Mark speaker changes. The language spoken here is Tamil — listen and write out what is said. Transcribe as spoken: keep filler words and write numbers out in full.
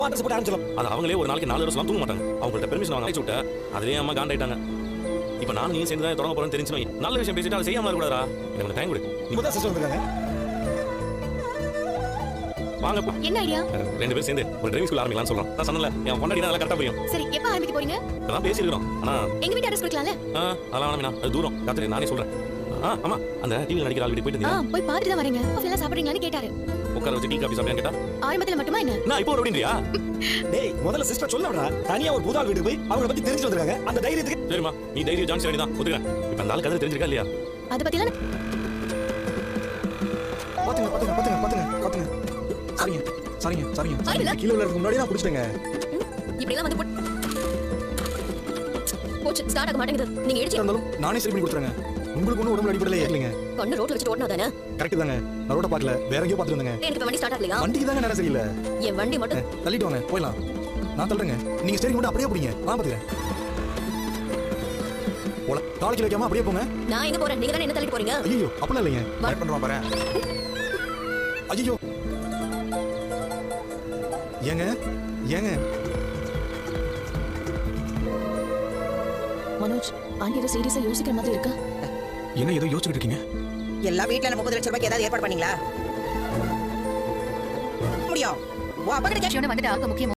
Speaker 1: அட்ரஸ் போட்டு ஆரம்பிச்சலாம்.
Speaker 2: அது அவங்களே ஒரு நாளைக்கு நாலு வருஷம் தூங்க மாட்டாங்க. அவங்கள்ட்ட பெர்மிஷன் வாங்க அழைச்சு விட்ட அதுலயே அம்மா காண்டாயிட்டாங்க. இப்போ நான் நீ சேர்ந்து தான் தொடங்க போறேன்னு தெரிஞ்சுமே நல்ல விஷயம் பேசிட்டு அதை செய்யாம இருக்கக்கூடாதா? எனக்கு கொஞ்சம் டைம் கொடு.
Speaker 1: இப்பதான் சிஸ்டர் வந்திருக்காங்க.
Speaker 2: வாங்கப்பா.
Speaker 3: என்ன ஐடியா?
Speaker 2: ரெண்டு பேரும் சேர்ந்து ஒரு டிரைவிங் ஸ்கூல் ஆரம்பிக்கலாம்னு சொல்றோம். நான் சொன்னல என் பொண்டாட்டி நல்லா கரெக்டா புரியும்.
Speaker 3: சரி எப்ப ஆரம்பிக்க போறீங்க?
Speaker 2: இப்பதான் பேசியிருக்கிறோம். ஆனா
Speaker 3: எங்க வீட்டு அட்ரஸ் கொடுக்கலாம்ல?
Speaker 2: ஆ அதெல்லாம் வேணாம். அது தூரம். காத்துட்டு நானே சொல்றேன். ஆ ஆமா அந்த டிவில நடிக்கிற ஆள் வீட்டுக்கு போயிட்டு
Speaker 3: ஆ
Speaker 2: இருந்தீங்க.
Speaker 3: போய் பார்த்துட்டு தான் வரேங்க. காஃபி எல்லாம் சாப்பிடுறீங்களான்னு கேட்டாரு.
Speaker 2: உட்கார வச்சு டீ காபி சாப்பிடுன்னு கேட்டா
Speaker 3: ஆரம்பத்துல மட்டுமா என்ன?
Speaker 2: நான் இப்போ அப்படின்றியா?
Speaker 1: டேய் முதல்ல சிஸ்டர் சொல்லடா. தனியா ஒரு புதால் வீட்டுக்கு போய் அவங்கள பத்தி தெரிஞ்சு வந்திருக்காங்க. அந்த தைரியத்துக்கு
Speaker 2: சரிமா நீ தைரியம் ஜான்சி ராணி தான் ஒத்துக்கிறேன். இப்போ அந்த ஆள் கதை தெரிஞ்சிருக்கா இல்லையா?
Speaker 3: அத பத்தி எல்லாம்
Speaker 1: பாத்துங்க பாத்துங்க பாத்துங்க பாத்துங்க பாத்துங்க. சரிங்க சரிங்க சரிங்க.
Speaker 3: ஆயிடுல?
Speaker 1: கீழ விழறதுக்கு முன்னாடி நான் புடிச்சிட்டேங்க.
Speaker 3: இப்படி எல்லாம் வந்து போட்- போச்சு ஸ்டார்ட் ஆக மாட்டேங்குது. நீங்க எடுத்து
Speaker 1: இருந்தாலும் நானே சரி பண்ணி கொடுத்துறேங்க. உங்களுக்கு ஒன்றும் உடம்புல அடிப்படல ஏறலைங்க.
Speaker 3: கண்ணு ரோட்ல வச்சுட்டு ஓடனா தானே?
Speaker 1: கரெக்ட் தாங்க. நான் ரோட பார்க்கல. வேற எங்கேயோ பார்த்துட்டு வந்தேங்க.
Speaker 3: எனக்கு இப்ப வண்டி ஸ்டார்ட் ஆகலையா?
Speaker 1: வண்டிக்கு தாங்க நேரம் சரியில்லை.
Speaker 3: என் வண்டி மட்டும்
Speaker 1: தள்ளிட்டு வாங்க போயிடலாம். நான் தள்ளுறேங்க. நீங்க ஸ்டேரிங் மட்டும் அப்படியே பிடிங்க. வா பாத்துக்கிறேன். போல காலைக்கு வைக்காம அப்படியே போங்க.
Speaker 3: நான் எங்க போறேன்? நீங்க தானே என்ன தள்ளிட்டு போறீங்க?
Speaker 1: ஐயோ அப்பலாம் இல்லைங்க. ட்ரை பண்றோம் பாரு. ஐயோ ஏங்க ஏங்க
Speaker 3: மனோஜ் ஆண்டி ஏதோ சீரியஸா யோசிக்கிற மாதிரி இருக்கா?
Speaker 1: என்ன ஏதோ யோசிச்சுட்டு இருக்கீங்க?
Speaker 4: எல்லா வீட்ல முப்பது லட்சம் ரூபாய்க்கு ஏதாவது ஏற்பாடு பண்ணீங்களா? முடியும். உன் அப்பா கிட்ட
Speaker 3: வந்துட்டு ஆக முக்கியம்